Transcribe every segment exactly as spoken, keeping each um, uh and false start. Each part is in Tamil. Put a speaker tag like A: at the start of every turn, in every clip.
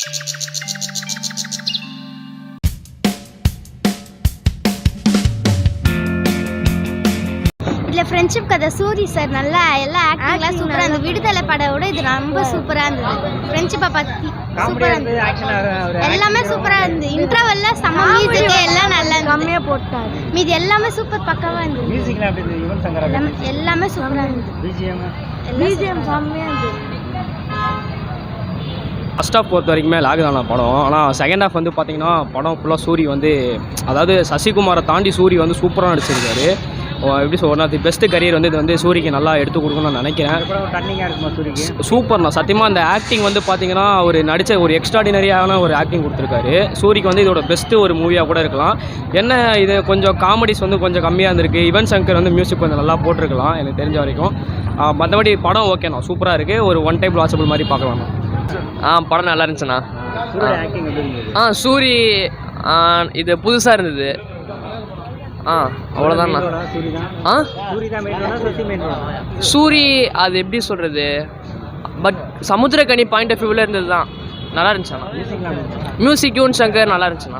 A: இதில் ஃப்ரெண்ட்ஷிப் கதை சூரி சார் நல்லா எல்லா ஆக்டிங்லாம் சூப்பராக இருந்தது. விடுதலை படவோட இது ரொம்ப சூப்பராக இருந்தது. ஃப்ரெண்ட்ஷிப்பை பற்றி சூப்பராக இருந்தது. எல்லாமே சூப்பராக இருந்தது. இன்டர்வெல்ல செம்ம மியூசிக் எல்லாம் நல்லா கம்மியாக போட்டார். மீது எல்லாமே சூப்பர் பக்காவாக இருந்தது. எல்லாமே சூப்பராக இருந்தது. பிஜிஎம் செம்மையாக இருந்தது.
B: ஃபஸ்ட் ஹாஃப் பொறுத்த வரைக்குமே லாக் தான படம். ஆனால் செகண்ட் ஹாஃப் வந்து பார்த்தீங்கன்னா படம் ஃபுல்லாக சூரி வந்து அதாவது சசிகுமாரை தாண்டி சூரி வந்து சூப்பராக நடிச்சிருக்காரு. எப்படி சொல் one of the best career வந்து இது வந்து சூரிக்கு நல்லா எடுத்து கொடுக்கணும்னு நான் நினைக்கிறேன். சூப்பர்ண்ணா சத்தியமாக அந்த ஆக்டிங் வந்து பார்த்தீங்கன்னா ஒரு நடித்த ஒரு எக்ஸ்ட்ராடினரியான ஒரு ஆக்டிங் கொடுத்துருக்காரு. சூரிக்கு வந்து இதோட பெஸ்ட்டு ஒரு மூவியாக கூட இருக்கலாம். என்ன இது கொஞ்சம் காமெடிஸ் வந்து கொஞ்சம் கம்மியாக இருந்திருக்கு. யுவன் சங்கர் வந்து மியூசிக் கொஞ்சம் நல்லா போட்டிருக்கலாம் எனக்கு தெரிஞ்ச வரைக்கும். மற்றபடி படம் ஓகேண்ணா சூப்பராக இருக்குது. ஒரு ஒன் டைம் வாட்சபிள் மாதிரி பார்க்கலாம்ண்ணா. ஆ படம் நல்லா இருந்துச்சுண்ணா. ஆ சூரி இது புதுசாக இருந்தது. ஆ அவ்வளோதாண்ணா. ஆ சூரி அது எப்படி சொல்கிறது பட் சமுத்திரக்கனி பாயிண்ட் ஆஃப் வியூவில் இருந்தது தான் நல்லா இருந்துச்சுண்ணா. மியூசிக் யுவன் சங்கர் நல்லா இருந்துச்சுண்ணா.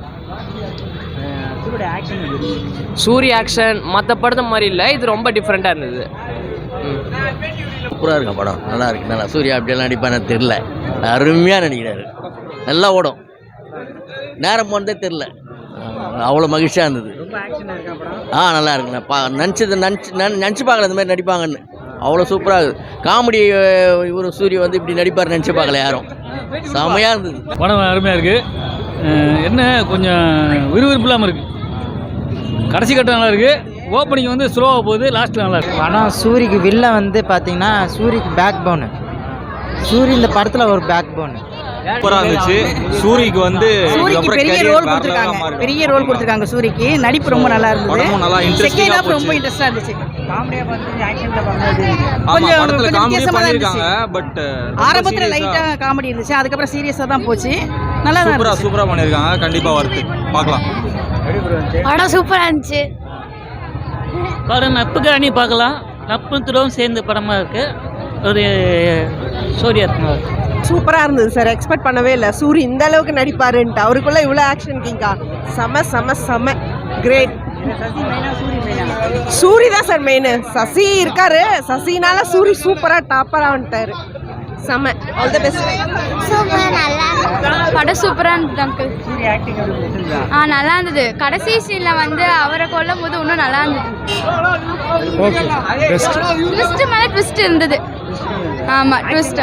B: சூரி ஆக்ஷன் மற்ற படத்தை மாதிரி இல்லை, இது ரொம்ப டிஃப்ரெண்ட்டாக இருந்தது.
C: சூப்பராக இருக்கும் படம், நல்லா இருக்கு. நல்லா சூர்யா அப்படியெல்லாம் நடிப்பான்னு தெரில, அருமையாக நடிக்கிறாரு. நல்லா ஓடும், நேரம் போனதே தெரில, அவ்வளோ மகிழ்ச்சியாக இருந்தது. ஆ நல்லா இருக்குண்ணா. பா நினச்சது நினச்சி நினச்சி பார்க்கல இந்த மாதிரி நடிப்பாங்கன்னு. அவ்வளோ சூப்பராக இருக்குது. காமெடி இவர் சூரிய வந்து இப்படி நடிப்பார் நினச்சி பார்க்கல யாரும். செம்மையாக இருந்தது
D: படம். அருமையாக இருக்குது. என்ன கொஞ்சம் விறுவிறுப்பு இல்லாமல் இருக்குது. கடைசி கட்டம் நல்லா இருக்குது. ஓப்பனிங் வந்து ஸ்லோவாக போகுது, லாஸ்ட்டில் நல்லா இருக்குது.
E: ஆனால் சூரிக்கு வில்ல வந்து பார்த்தீங்கன்னா சூரிக்கு பேக் போனு. சூரி இந்த படத்தில் ஒரு பேக் போனு
F: சூப்பராக இருந்துச்சு. சூரிக்கு வந்து
G: பெரிய ரோல் கொடுத்துருக்காங்க. பெரிய ரோல் கொடுத்துருக்காங்க சூரிக்கு. நடிப்பு ரொம்ப நல்லா இருந்தது.
F: நல்லா
G: செகண்ட் ஹாஃப் ரொம்ப இன்ட்ரெஸ்டா இருந்துச்சு.
F: கொஞ்சம் வித்தியாசமா இருந்துச்சு. பட்
G: ஆரம்பத்துல லைட்டா காமெடி இருந்துச்சு, அதுக்கப்புறம் சீரியஸா தான் போச்சு. நல்லா
F: சூப்பரா சூப்பரா பண்ணிருக்காங்க. கண்டிப்பா வருது, பார்க்கலாம்.
A: படம் சூப்பரா இருந்துச்சு.
H: படம் நட்புக்கு அணி பார்க்கலாம். நட்பும் துறவும் சேர்ந்த படமாக இருக்குது. ஒரு சூர்யா
I: சூப்பராக இருந்தது சார். எக்ஸ்பெக்ட் பண்ணவே இல்லை சூரி இந்த அளவுக்கு நடிப்பாருன்ட்டு. அவருக்குள்ளே இவ்வளோ ஆக்ஷன் கிங்கா. செம செம செம கிரேட். சூரி தான் சார் மெயின். சசி இருக்காரு, சசினால சூரி சூப்பராக டாப்பராக வந்துட்டாரு. செம ஆல் தி பெஸ்ட்.
A: சூப்பராக நல்லா படம் சூப்பராக இருந்தது அங்கிள். ஆ நல்லா இருந்தது. கடைசி சீனில் வந்து அவரை கொல்லும் போது இன்னும் நல்லா இருந்தது. ட்விஸ்ட் மேலே ட்விஸ்ட் இருந்தது. ஆமாம் ட்விஸ்ட்.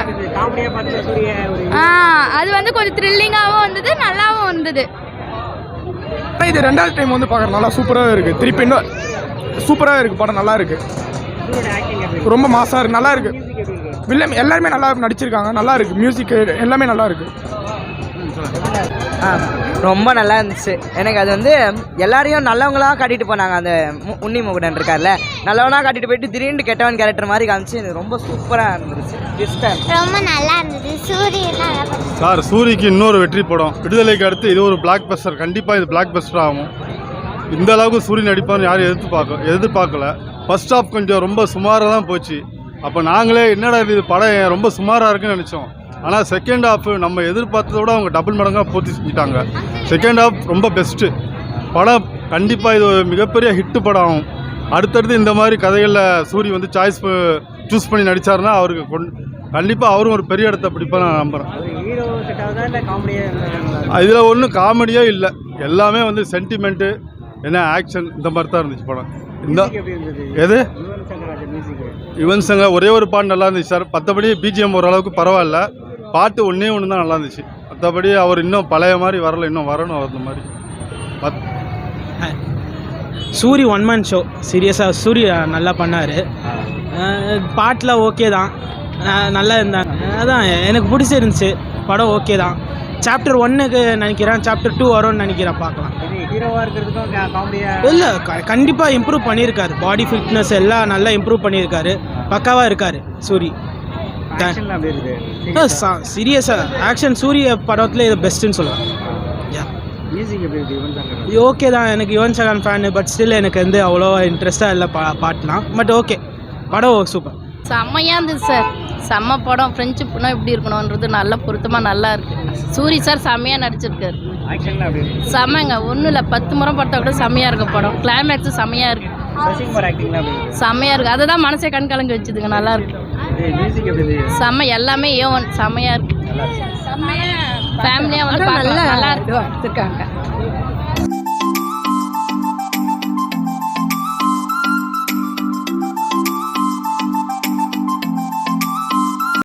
A: ஆ அது வந்து கொஞ்சம் த்ரில்லிங்காகவும் இருந்தது, நல்லாவும் இருந்தது.
J: இது ரெண்டாவது டைம் வந்து பார்க்குற நல்லா சூப்பராக இருக்குது. திருப்பி இன்னும் சூப்பராக இருக்குது படம். நல்லா இருக்குது, ரொம்ப மாசாக இருக்குது, நல்லா இருக்குது. வில்லம் எல்லாருமே நல்லா நடிச்சிருக்காங்க, நல்லா இருக்குது. மியூசிக் எல்லாமே நல்லா இருக்குது.
E: ஆ ரொம்ப நல்லா இருந்துச்சு. எனக்கு அது வந்து எல்லாரையும் நல்லவங்களாக காட்டிட்டு போனாங்க. அந்த உன்னி முகுடன் இருக்கார்ல, நல்லவனாக காட்டிட்டு போயிட்டு திடீர்னு கெட்டவன் கேரக்டர் மாதிரி காமிச்சு எனக்கு ரொம்ப சூப்பராக இருந்துச்சு.
A: ரொம்ப நல்லா இருந்தது. சூரியன்
K: சார் சூரிக்கு இன்னொரு வெற்றி படம். விடுதலைக்கு அடுத்து இது ஒரு பிளாக் பஸ்டர். கண்டிப்பாக இது பிளாக் பஸ்டர் ஆகும். இந்த அளவுக்கு சூரிய நடிப்பான்னு யாரும் எதிர்த்து பார்க்க எதிர்பார்க்கல. ஃபர்ஸ்ட் ஹாஃப் கொஞ்சம் ரொம்ப சுமாராக தான் போச்சு. அப்போ நாங்களே என்னடா இது படம் ரொம்ப சுமாராக இருக்குன்னு நினச்சோம். ஆனால் செகண்ட் ஹாஃப் நம்ம எதிர்பார்த்ததோட அவங்க டபுள் மடங்காக பூர்த்தி செஞ்சுட்டாங்க. செகண்ட் ஹாஃப் ரொம்ப பெஸ்ட்டு படம். கண்டிப்பாக இது ஒரு மிகப்பெரிய ஹிட்டு படம் ஆகும். அடுத்தடுத்து இந்த மாதிரி கதைகளில் சூரி வந்து சாய்ஸ் சூஸ் பண்ணி நடித்தாருன்னா அவருக்கு கொண் கண்டிப்பாக அவரும் ஒரு பெரிய இடத்த பிடிப்பாக நான் நம்புகிறேன். இதில் ஒன்றும் காமெடியே இல்லை, எல்லாமே வந்து சென்டிமெண்ட்டு என்ன ஆக்ஷன் இந்த மாதிரி தான் இருந்துச்சு படம். இந்த எது யுவன் சங்கர் ஒரே ஒரு பாட்டு நல்லா இருந்துச்சு சார். மற்றபடி பிஜிஎம் ஓரளவுக்கு பரவாயில்ல. பாட்டு ஒன்றே ஒன்று தான் நல்லா இருந்துச்சு. மற்றபடி அவர் இன்னும் பழைய மாதிரி வரல, இன்னும் வரணும் அந்த மாதிரி.
L: Soori one man show. சீரியஸாக சூரிய நல்லா பண்ணார். பாட்டில் ஓகே தான், நல்லா இருந்தாங்க. அதான் எனக்கு பிடிச்சிருந்துச்சு படம். ஓகே தான். சாப்டர் ஒன்னுக்கு நினைக்கிறேன், சாப்டர் டூ வரும்னு நினைக்கிறேன். பார்க்கலாம். இல்லை கண்டிப்பாக இம்ப்ரூவ் பண்ணியிருக்காரு. பாடி ஃபிட்னஸ் எல்லாம் நல்லா இம்ப்ரூவ் பண்ணியிருக்காரு. பக்காவாக இருக்கார் சூரி. சீரியஸாக ஆக்ஷன் சூரிய படத்தில் இது பெஸ்ட்டுன்னு சொல்லுவேன். ஓகே தான். எனக்கு Yuvan Shankar fan, but still எனக்கு வந்து அவ்வளோ இன்ட்ரெஸ்ட்டாக இல்லை பா பாட்டெலாம். பட் ஓகே படம் சூப்பர்.
A: செம்மையாக இருந்தது சார். செம்ம படம். ஃப்ரெண்ட்ஷிப்னா எப்படி இருக்கணுன்றது நல்ல பொருத்தமாக நல்லா இருக்குது. சூரி சார் செம்மையாக நடிச்சிருக்காரு. செம்மங்க. ஒன்றும் இல்லை, பத்து முறை பார்த்தா கூட செம்மையாக இருக்கு படம். கிளைமேக்ஸும் செம்மையாக இருக்குது. செம்மையாக இருக்குது. அதை தான் மனசே கண் கலங்க வச்சுதுங்க. நல்லா இருக்கு. செம்ம. எல்லாமே ஏ ஒன் செம்மையாக இருக்குது. ஃபேமிலியாக வந்து பார்க்கலாம். நல்லா இருக்கு.